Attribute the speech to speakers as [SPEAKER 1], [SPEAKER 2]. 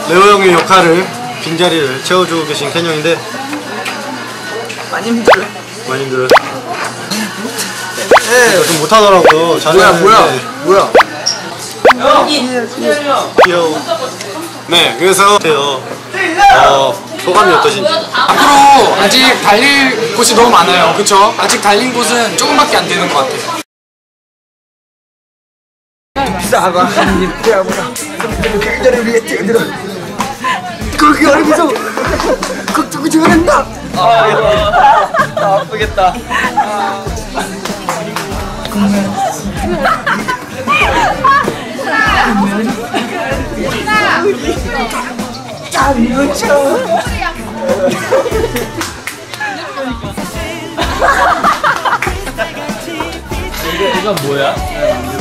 [SPEAKER 1] 레오 형의 역할을 빈자리를 채워주고 계신 켄 형인데
[SPEAKER 2] 많이 힘들어요.
[SPEAKER 1] 많이 힘들어요. 네, 좀 못하더라고요.
[SPEAKER 3] 뭐야?
[SPEAKER 1] 귀여워. 네, 그래서 소감이 어떠신지.
[SPEAKER 3] 앞으로 아직 달릴 곳이 너무 많아요. 그쵸? 아직 달린 곳은 조금밖에 안 되는 것 같아요.
[SPEAKER 2] 사과 한입 대아보라. 그들을 위해 뛰어들어. 거기 얼굴에서 걱정을 잘한다. 아프겠다.
[SPEAKER 4] 이건 뭐야?